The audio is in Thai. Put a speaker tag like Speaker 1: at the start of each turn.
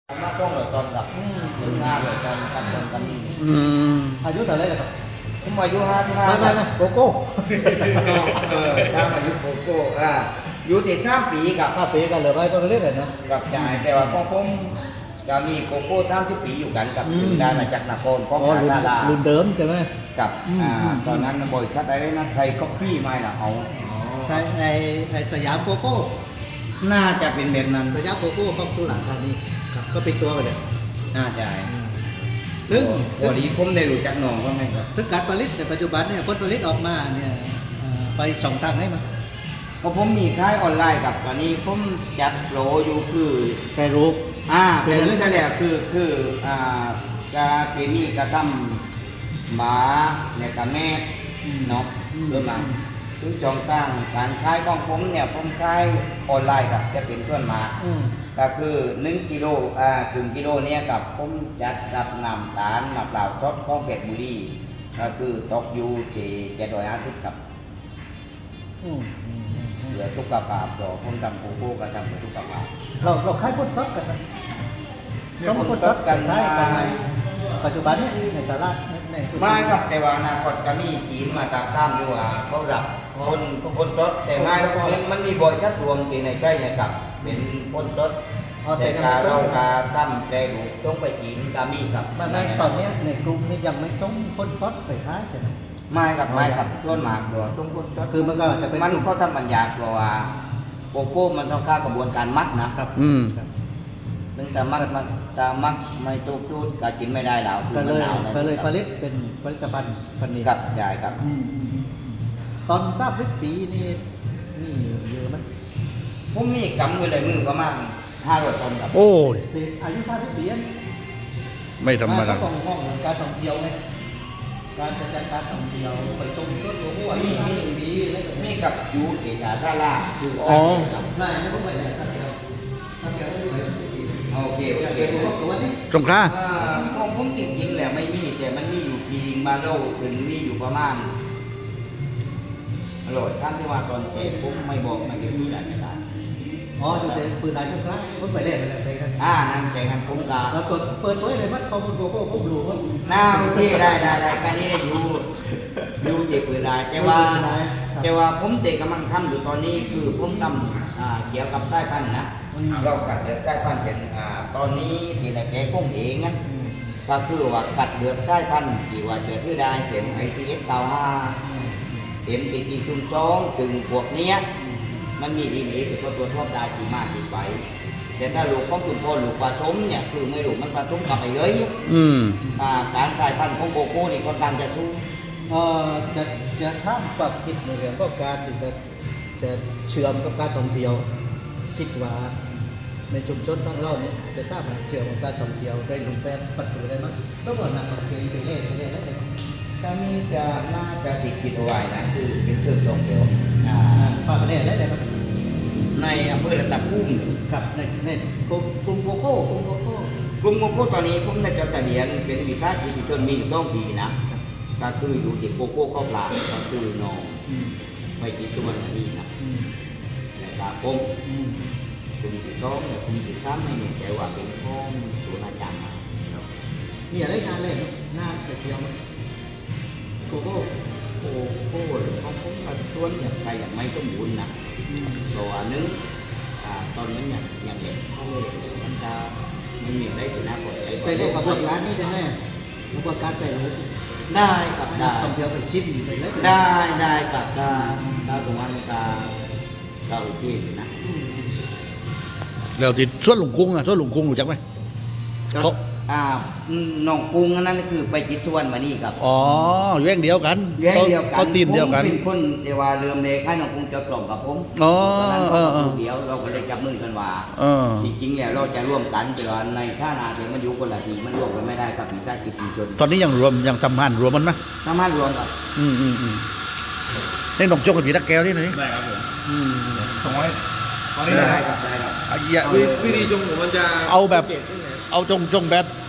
Speaker 1: มาต้องเลยตอนกับถึงงานเลยตอนกันตอนกัน
Speaker 2: อายุแต่าไรครับ
Speaker 1: ผมอายุ55
Speaker 2: ไม่โกโก้
Speaker 1: ตามอายุโกโก้อยู่ที่3 ปีกับ
Speaker 2: 5 ปีกันเลยไปเรื่อยๆนะ
Speaker 1: กับจ่ายแต่ว่าผมจะมีโกโก้30 ปีอยู่กันกับถึงได้มาจากนครของดารา
Speaker 2: รุ่นเดิมใช่ไหม
Speaker 1: กับตอนนั้นบริษัทอะไรนะไทยก๊อปปี้ไม่ละเอา
Speaker 2: ในสยามโกโก้
Speaker 1: น่าจะเป็นแบบนั้น
Speaker 2: สยามโกโก้ของสุราษฎร์ธานีก็ปิดตัวไปเลย
Speaker 1: น่าจะ
Speaker 2: ซึ่ง
Speaker 1: วันนี้ผมได้รู้จักน้องก็ไงครับ
Speaker 2: ซึ่งการผลิตในปัจจุบันเนี่ยผลผลิตออกมาเนี่ยไป2 ทางให้มั้ย
Speaker 1: เพราะผมมีขายออนไลน์กับตอนนี้ผมจัดโปรอยู่คือ
Speaker 2: แปรรูป
Speaker 1: เป็นเรื่องนั่นแหละคือจะเป็นนี่กระทำหมาเนี่ยกับแม่เนาะเรื่องนั้นถึงจองตั้งการขายของผมเนี่ยผมขายออนไลน์กับจะเป็นส่วนมาก็คือ1 กิโลถึงกิโลเนี่ยกับผมจัดรับนำตาลมาเปล่าทดของเพชรบุรีก็คือตกอยู่ที่750กับเหลือทุกกระป๋าต่อผมทำโกโก้ก็ทำทุกกระป๋า
Speaker 2: เราขายพุทธซับกันนะสมมติพุทธซับกันได้กันไหมปัจจุบันนี้ในตลาด
Speaker 1: ไม่ครับแต่ว่าอนาคตก็มีทีมมาตามข้ามอยู่เขาดับคนรถแต่ไม่มันมีบริษัทรวมที่ในใกล้เนี่ยกับเป็นคนรถแต่การเราการทำแต่ลูกต้องไปทีมก็มีครับ
Speaker 2: ตอนนี้ในกลุ่มนี้ยังไม่ส่งคนฟอสไปท้ายใช่ไหม
Speaker 1: ไม่ครับต้นหมากตัวต้องคนรถ
Speaker 2: คือมันก็จะเป็น
Speaker 1: มันเขาทำบรรยากาศว่าโกโก้มันต้องเข้ากระบวนการมัดนะครับตั้งแต่มัดไม่ตุกจุดก็กินไม่ได้แล้ว
Speaker 2: ก็เลยผลิตเป็นผลิตภัณฑ์พันธุ์นี้
Speaker 1: ครับใช่ครับ
Speaker 2: ตอน30 ปีนี่เยอะไหม
Speaker 1: ผมมีกำมือในมือประมาณ500 ต้นครับ
Speaker 3: โอ้ย
Speaker 2: อายุ30 ปี
Speaker 3: ไม่ธรรมดา
Speaker 2: ห้องการท่องเที่ยวไงการจัดการท่องเที่ยวไปชมสวนหลวง
Speaker 1: มีกับยูเอกาท่าล่าคือ
Speaker 2: ไม่ผมไม่ได้สักเดียวโอเค
Speaker 3: ตรงข้า
Speaker 1: ของผมจริงๆแหละไม่มีแต่มันมีอยู่ทีงมาโลถึงมีอยู่ประมาณอร่อยท่านที่ว่าตอนเก็บผมไม่บอกมันจะมีหลายขนาด
Speaker 2: จุดเด่นปืนลายชุดครั้งผมไปเล่นอะไรกัน
Speaker 1: นั่นแต่กันผมตา
Speaker 2: แล้วเปิดไว้เลยมัดข้อมูลโกโก้ผมรู้ว่า
Speaker 1: โอเคได้การนี้ได้อยู่เจ็บปืนลายแต่ว่าผมเด็กกำลังทำอยู่ตอนนี้คือผมทำเกี่ยวกับสายพันธุ์นะเรากัดเดือดสายพันธุ์เป็นตอนนี้ที่ในแกกุ้งเองนั้นก็คือว่ากัดเดือดสายพันธุ์ที่ว่าเจอที่ได้เป็น ITS95 MTT02 ถึงพวกนี้มันมีดีนี้คือตัวทอบได้ที่มากที่ไปแต่ถ้าลูกของคุณพ่อลูกผสมเนี่ยคือไม่ลูกมันผสมกับไปเลยการสายพันธุ์ของโกโก้นี่ค่อนข้างจะสู้
Speaker 2: จะทำปรับคิดในเรื่องก็การที่จะเชื่อมกับการท่องเที่ยวคิดว่าในชุมชนของเราเนี่ยจะทราบว่าเชื่อมกับการท่องเที่ยวได้รูปแบบปัจจุบันได้มั้ยต้องบอกนักท่องเที่ยวไปเล่นแล้ว
Speaker 1: การนี้จะน่าจะคิดเอาไว้นะคือเป็นเครื่องท่องเที่ยว
Speaker 2: ฝากประเทศแล้วครับ
Speaker 1: ในอำเภอระดับพุ่ม
Speaker 2: ครับในกลุ่มโกโก้
Speaker 1: ตอนนี้ผมได้จดทะเบียนเป็นวิสาหกิจชุมชนมีอยู่2 ที่นะก็คืออยู่ที่โกโก้ข้าวปลาก็คือน้องไปที่ตัวนี้นะในตาคมกลุ่มที่2กลุ่มที่3ไม่มีแต่ว่าเป็นของตัวอาจารย์
Speaker 2: มีอะไรงานเล่นงานไปเที่ยวโกโก้
Speaker 1: หรือของผมส่วนอย่างใครอย่างไม่ต้องบุญนะตัวนึงตอนนี้อย่างเด็กเขาเลยมันจะไม่มีอะไรที่น่าปวดใจ
Speaker 2: ไปเล่นกับพวกร้านนี้จะแน่พวกการไปรู้
Speaker 1: ได้กับได้
Speaker 2: ท่องเที่ยวไปชิมไปเลย
Speaker 1: ได้กับได้ตรงนั้นเราที่นะ
Speaker 3: แล้วที่ส่วนหลวงกุ้งรู้จักไหม
Speaker 1: น้องกุ้งนั่นคือไปจิตทวนมานี่ครับ
Speaker 3: แย่งเดียวกัน
Speaker 1: ก็
Speaker 3: ตีนเดียวกัน
Speaker 1: เป็นคนเดียวว่าเริ่มเล็กให้น้องกุ้งจะกล่อมกับผมเดี๋ยวเราก็เลยจับมือกันว่าจริงๆแล้วเราจะร่วมกันแต่ว่าในท่านาเดี๋ยวมันอยู่คนละทีมันร่วมกันไม่ได้กับวิสาหกิจชุมชน
Speaker 3: ตอนนี้ยังทำงานรวมมันไหม
Speaker 1: ทำงานรวมครับ
Speaker 3: นี่น้องโจ๊กกับพี่ตะแก้วนี่ไหน
Speaker 4: ได้ครับผมส่งไว้ตอนนี้
Speaker 1: ได้ครับ
Speaker 4: วิธีชงผมมันจะ
Speaker 3: เอาจงแบบ